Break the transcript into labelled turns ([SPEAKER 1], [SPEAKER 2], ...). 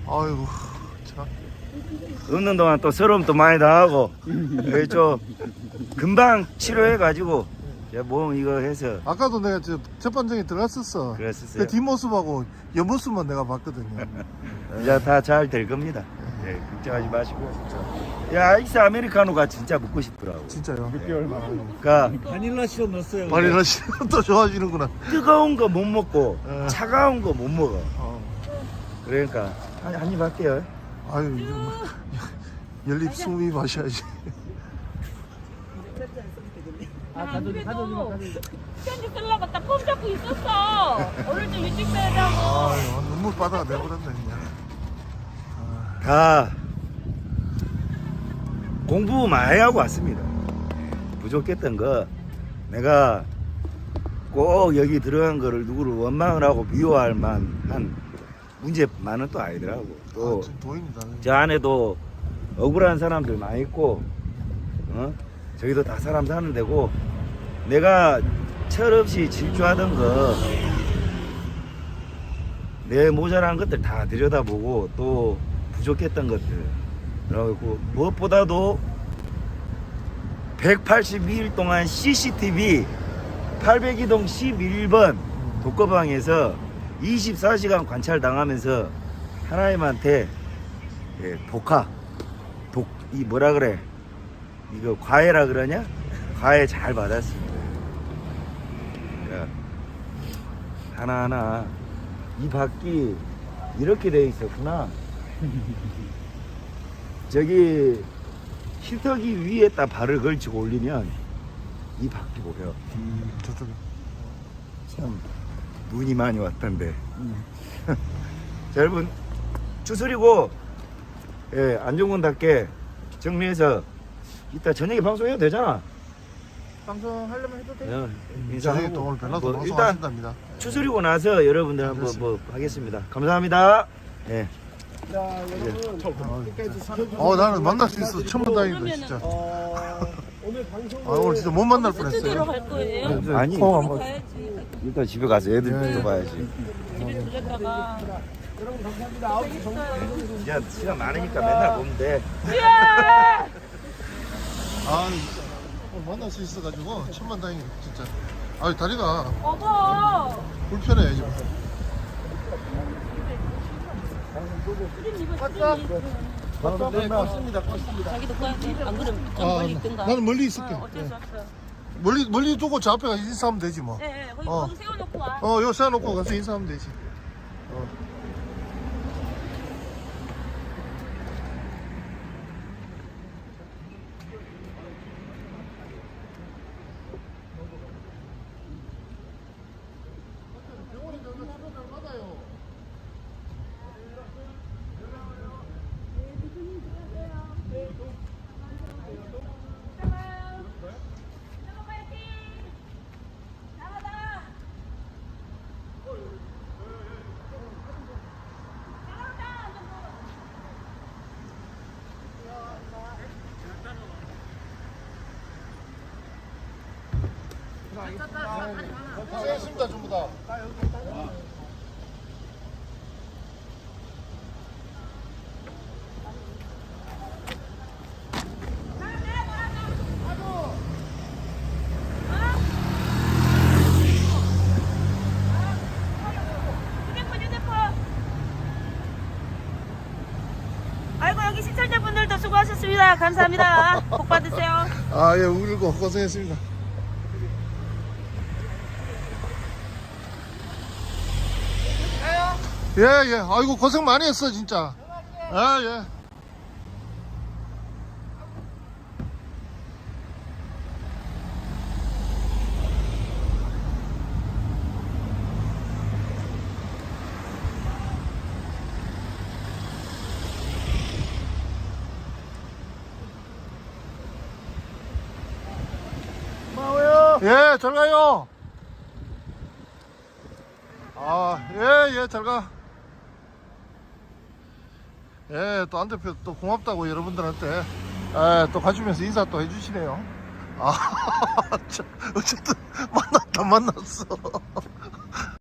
[SPEAKER 1] 아이고 참.
[SPEAKER 2] 없는 동안 또 서러움도 많이 당하고 좀 금방 치료해가지고 몸 이거 해서
[SPEAKER 1] 아까도 내가 저 재판정에 들어갔었어.
[SPEAKER 2] 그랬었어요.
[SPEAKER 1] 그 뒷모습하고 옆모습만 내가 봤거든요.
[SPEAKER 2] 이제 다 잘 될 겁니다. 예, 걱정하지 마시고요. 야, 아이스 아메리카노가 진짜 먹고 싶더라고.
[SPEAKER 1] 진짜요? 6개월 만에.
[SPEAKER 2] 그러니까
[SPEAKER 3] 바닐라 시럽 넣었어요.
[SPEAKER 1] 바닐라 씨는 또 좋아지는구나.
[SPEAKER 2] 뜨거운 거 못 먹고
[SPEAKER 1] 어.
[SPEAKER 2] 차가운 거 못 먹어.
[SPEAKER 1] 어.
[SPEAKER 2] 그러니까 한입 할게요.
[SPEAKER 1] 아유 이제 뭐 연립 숨이 마셔야지.
[SPEAKER 4] 편지 쓰려고 딱 폼 잡고 있었어. 오늘 좀 일찍 빼자고.
[SPEAKER 1] 아유 눈물 바다가 내버렸네 그냥.
[SPEAKER 2] 다 공부 많이 하고 왔습니다. 부족했던 거 내가 꼭 여기 들어간 거를 누구를 원망을 하고 비호할 만한 문제만은 또 아니더라고. 또
[SPEAKER 1] 지금 도인이다.
[SPEAKER 2] 저 안에도 억울한 사람들 많이 있고, 저기도 다 사람 사는 데고, 내가 철없이 질주하던 거, 내 모자란 것들 다 들여다보고, 또 부족했던 것들, 그리고 무엇보다도 182일 동안 CCTV 802동 11번 독거방에서 24시간 관찰 당하면서 하나님한테 이 뭐라 그래, 이거 과외라 그러냐? 과외 잘 받았습니다. 그러니까 하나하나 이 바퀴 이렇게 돼 있었구나. 저기 히터기 위에다 발을 걸치고 올리면 이 바퀴 보여.
[SPEAKER 1] 저쪽에.
[SPEAKER 2] 참 눈이 많이 왔던데. 자, 여러분 추스리고 안전군답게 정리해서 이따 저녁에 방송해도 되잖아.
[SPEAKER 3] 방송하려면 해도 돼.
[SPEAKER 1] 저녁에
[SPEAKER 2] 인사하고
[SPEAKER 1] 또 오늘 벨라도
[SPEAKER 2] 뭐 일단
[SPEAKER 1] 방송하신답니다.
[SPEAKER 2] 추스리고 나서 여러분들 한번 뭐 하겠습니다. 감사합니다. 예.
[SPEAKER 3] 자, 여러분 끝까지 사랑해.
[SPEAKER 1] 나는 만날 수 있어서 천만 다행이다 진짜.
[SPEAKER 3] 오늘 방송
[SPEAKER 1] 오늘 진짜 못 만날
[SPEAKER 4] 스튜디오로
[SPEAKER 1] 뻔했어요.
[SPEAKER 4] 갈 거예요?
[SPEAKER 2] 아니
[SPEAKER 1] 포항 한번.
[SPEAKER 4] 가야지.
[SPEAKER 2] 일단 집에 가서 애들 또 봐야지.
[SPEAKER 4] 집에 들렸다가.
[SPEAKER 3] 여러분 감사합니다. 9시 정도.
[SPEAKER 2] 이제 시간 많으니까 맨날 보면 돼.
[SPEAKER 1] 오늘 만날 수 있어가지고 천만 다행이다 진짜. 다리가
[SPEAKER 4] 어머.
[SPEAKER 1] 불편해 지금.
[SPEAKER 4] 자기도 꺼야 돼. 안 그러면 좀 멀리 있든가.
[SPEAKER 1] 나는 멀리 있을게.
[SPEAKER 4] 어쩔 수 없어.
[SPEAKER 1] 멀리 두고 저 앞에 가서 인사하면 되지 뭐.
[SPEAKER 4] 네, 거기,
[SPEAKER 1] 어.
[SPEAKER 4] 거기 세워놓고 와.
[SPEAKER 1] 요 세워놓고 가서 인사하면 되지. 고생했습니다 전부 다.
[SPEAKER 4] 휴대폰. 아이고 여기 시청자분들도 수고하셨습니다. 감사합니다. 복 받으세요.
[SPEAKER 1] 예, 울고 고생했습니다. 예. 아이고 고생 많이 했어 진짜. 예.
[SPEAKER 3] 고마워요.
[SPEAKER 1] 예, 잘 가요. 잘 가. 또 안 대표 또 고맙다고 여러분들한테 또 가주면서 인사 또 해주시네요. 참, 어쨌든 만났어.